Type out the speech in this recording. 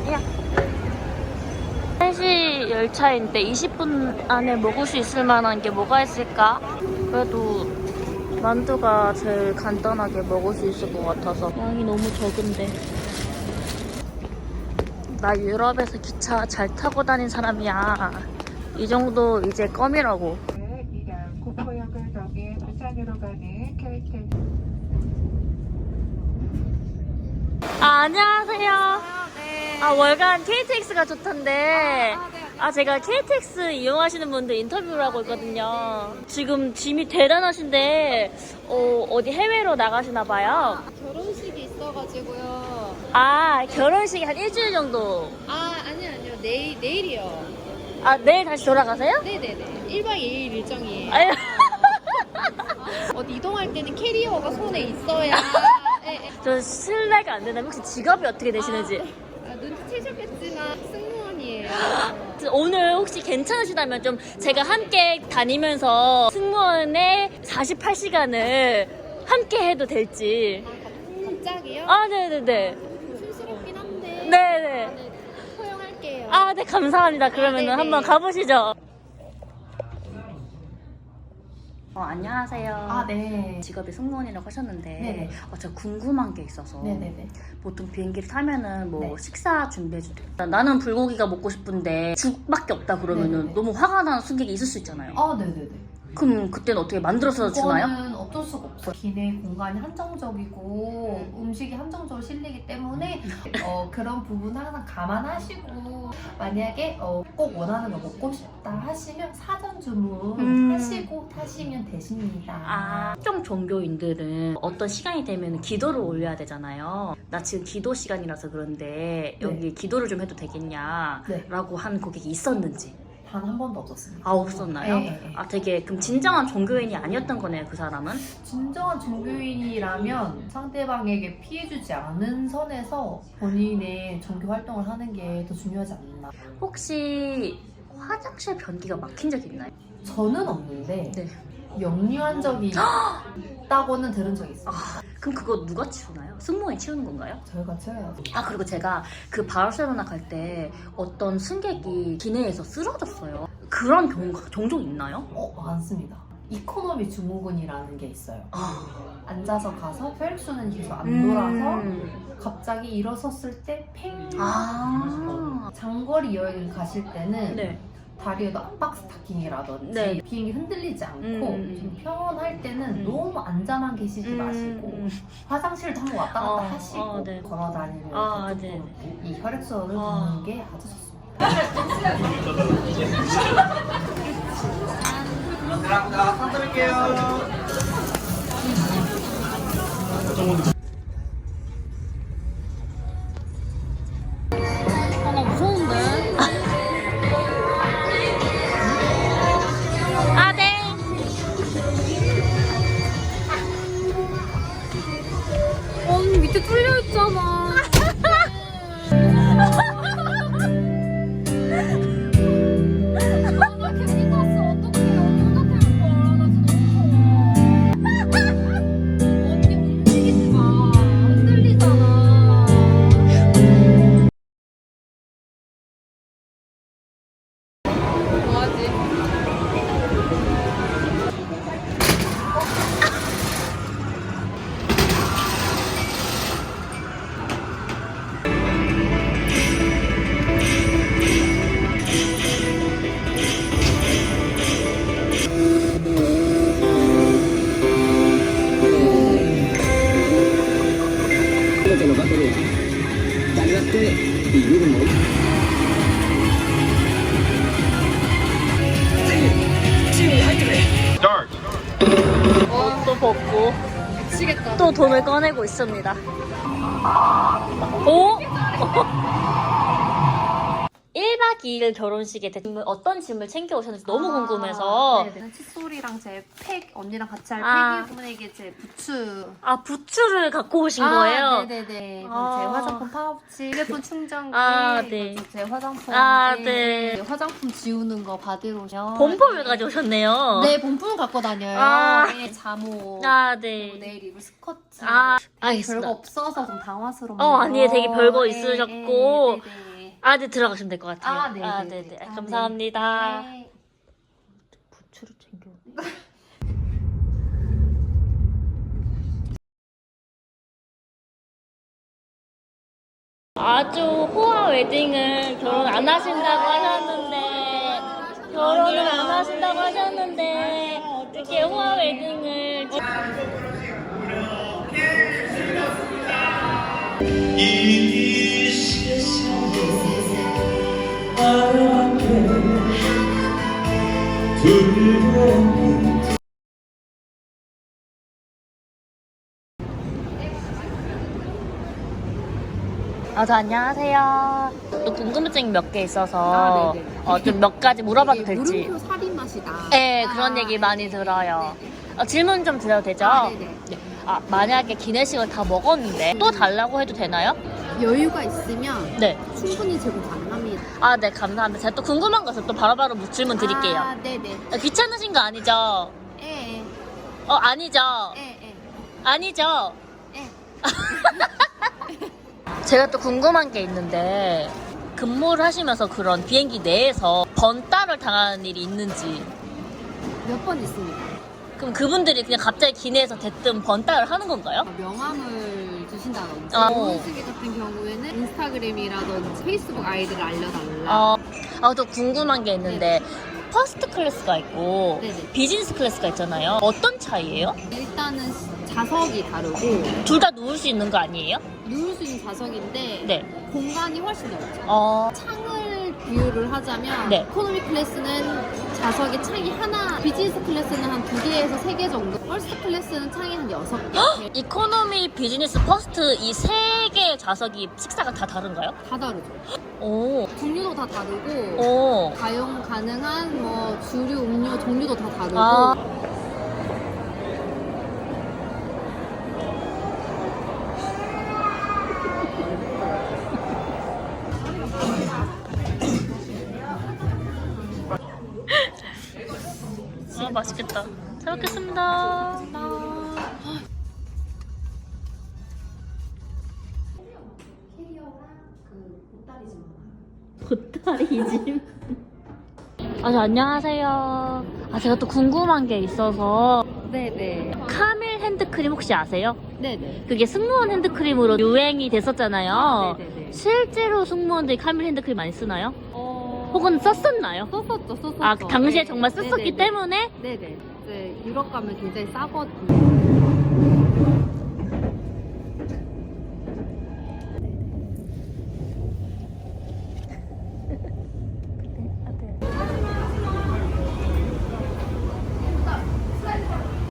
야. 3시 열차인데 20분 안에 먹을 수 있을 만한 게 뭐가 있을까? 그래도 만두가 제일 간단하게 먹을 수 있을 것 같아서. 양이 너무 적은데. 나 유럽에서 기차 잘 타고 다닌 사람이야. 이 정도 이제 껌이라고. 구포역을 통해 부산으로 가는 KTX. 안녕하세요. 네. 월간 KTX가 좋던데. 네. 제가 KTX 이용하시는 분들 인터뷰를 하고 있거든요. 지금 짐이 대단하신데 어디 해외로 나가시나 봐요. 결혼식이 있어가지고요. 결혼식이 한 일주일 정도. 아니요. 내일이요. 내일 다시 돌아가세요? 네네네. 1박 2일 일정이에요. 아유. 어디 이동할 때는 캐리어가 손에 있어야. 네. 저 실례가 안 된다면 혹시 직업이 어떻게 되시는지? 눈치채셨겠지만 승무원이에요. 오늘 혹시 괜찮으시다면 좀 제가 함께 다니면서 승무원의 48시간을 함께 해도 될지. 갑자기요? 네네네. 촌스럽긴 한데. 네네. 허용할게요. 네, 감사합니다. 그러면은 네네. 한번 가보시죠. 안녕하세요. 네. 직업이 승무원이라고 하셨는데, 네네. 제가 궁금한 게 있어서. 네네네. 보통 비행기를 타면은 네. 식사 준비해주세요. 나는 불고기가 먹고 싶은데 죽밖에 없다 그러면은 네네네. 너무 화가 나는 승객이 있을 수 있잖아요. 네네네. 그럼 그때는 어떻게 만들어서 주나요? 그거는 어쩔 수가 없어요. 기내 공간이 한정적이고 음식이 한정적으로 실리기 때문에 그런 부분 항상 감안하시고 만약에 꼭 원하는 거 먹고 싶다 하시면 사전 주문하시고 타시면 되십니다. 특정 종교인들은 어떤 시간이 되면 기도를 올려야 되잖아요. 나 지금 기도 시간이라서 그런데 여기 기도를 좀 해도 되겠냐 네. 라고 한 고객이 있었는지. 단 한 번도 없었습니다. 없었나요? 네. 되게 그럼 진정한 종교인이 아니었던 거네요, 그 사람은? 진정한 종교인이라면 상대방에게 피해주지 않은 선에서 본인의 종교 활동을 하는 게 더 중요하지 않나. 혹시 화장실 변기가 막힌 적 있나요? 저는 없는데 네. 역류한 적이 있다고는 들은 적이 있어요. 그럼 그거 누가 치우나요? 승무원이 치우는 건가요? 저희가 채워야죠. 그리고 제가 그 바르셀로나 갈 때 어떤 승객이 기내에서 쓰러졌어요. 그런 경우가 종종 있나요? 많습니다. 이코노미 증후군이라는 게 있어요. 앉아서 가서 혈액순환이 계속 안 돌아서 갑자기 일어섰을 때 팽! 장거리 여행을 가실 때는 네. 다리에도 압박 스타킹이라든지 네. 비행기 흔들리지 않고 음. 좀 평온할 때는 너무 앉아만 계시지 마시고 화장실도 한번 왔다 갔다 하시고 네. 걸어 다니면서 조금 네. 이 혈액순환을 도는 게 아주 좋습니다. 감사합니다. 사드릴게요. 나 무서운데. 네. 언니 밑에 뚫려 있잖아. 나 괜히 탔어. 어떡해. 언니 혼자 태울 거야. 나 진짜 무서워. 언니 움직이지 마. 흔들리잖아. 뭐하지? 또 벗고 미치겠다. 또 돈을 꺼내고 있습니다. 오? 1박 2일 결혼식에 어떤 짐을 챙겨오셨는지 너무 궁금해서. 네네. 칫솔이랑 제 팩, 언니랑 같이 할 팩이기 때문에 이게 제 부츠. 부츠를 갖고 오신 거예요? 네네네. 이건 제 화장품 파우치, 휴대폰 충전기, 네. 이것도 제 화장품. 네. 화장품 지우는 거 받으러 오면. 본품을 가져오셨네요. 네, 본품을 갖고 다녀요. 네, 잠옷. 네. 그리고 내일 입을 스커트. 알겠습니다. 별거 없어서 좀 당황스럽네요. 아니에요. 되게 별거 있으셨고. 아, 네, 들어가시면 될 것 같아요. 아, 네, 네, 네네. 네. 아, 감사합니다. 네. 부추를 챙겨. 아주 호화 웨딩을 결혼 안 하신다고 하셨는데 결혼을 안 하신다고 하셨는데 어떻게 호화 웨딩을 이 세상에 하나밖에 두려운 저 안녕하세요. 또 궁금증이 몇 개 있어서 좀 몇 가지 물어봐도 될지. 물음표 살인 맛이다. 네, 그런 얘기 많이 들어요. 질문 좀 드려도 되죠? 네네. 만약에 기내식을 다 먹었는데 또 달라고 해도 되나요? 여유가 있으면 네. 충분히 제공 가능합니다. 네, 감사합니다. 제가 또 궁금한 거 있어서 또 바로바로 질문 드릴게요. 네네. 귀찮으신 거 아니죠? 예. 아니죠? 예. 아니죠? 예. 제가 또 궁금한 게 있는데 근무를 하시면서 그런 비행기 내에서 번따를 당하는 일이 있는지. 몇 번 있습니다. 그럼 그분들이 그냥 갑자기 기내에서 대뜸 번따를 하는 건가요? 명함을 주신다든지 아, 결혼식에 같은 경우에는 인스타그램이라든지 페이스북 아이디를 알려달라. 또 궁금한 게 있는데 퍼스트 클래스가 있고 네네. 비즈니스 클래스가 있잖아요. 어떤 차이예요? 일단은 자석이 다르고 둘 다 누울 수 있는 거 아니에요? 누울 수 있는 자석인데 네. 공간이 훨씬 넓죠. 창을 비유를 하자면 네. 이코노미 클래스는 자석이 창이 하나, 비즈니스 클래스는 한 2개에서 3개 정도, 퍼스트 클래스는 창이 한 6개. 이코노미, 비즈니스, 퍼스트 이 세 개의 좌석이 식사가 다 다른가요? 다 다르죠. 오, 종류도 다 다르고 오. 가용 가능한 뭐 주류, 음료 종류도 다 다르고 아. 맛있겠다. 잘 먹겠습니다. 보따리집. 안녕하세요. 제가 또 궁금한 게 있어서 네네. 카밀 핸드크림 혹시 아세요? 네네. 그게 승무원 핸드크림으로 유행이 됐었잖아요. 네네네. 실제로 승무원들이 카밀 핸드크림 많이 쓰나요? 어... 혹은 썼었나요? 썼었죠. 당시에 네. 정말 썼었기 네네네. 때문에 네네. 이제 유럽 가면 굉장히 싸거든요.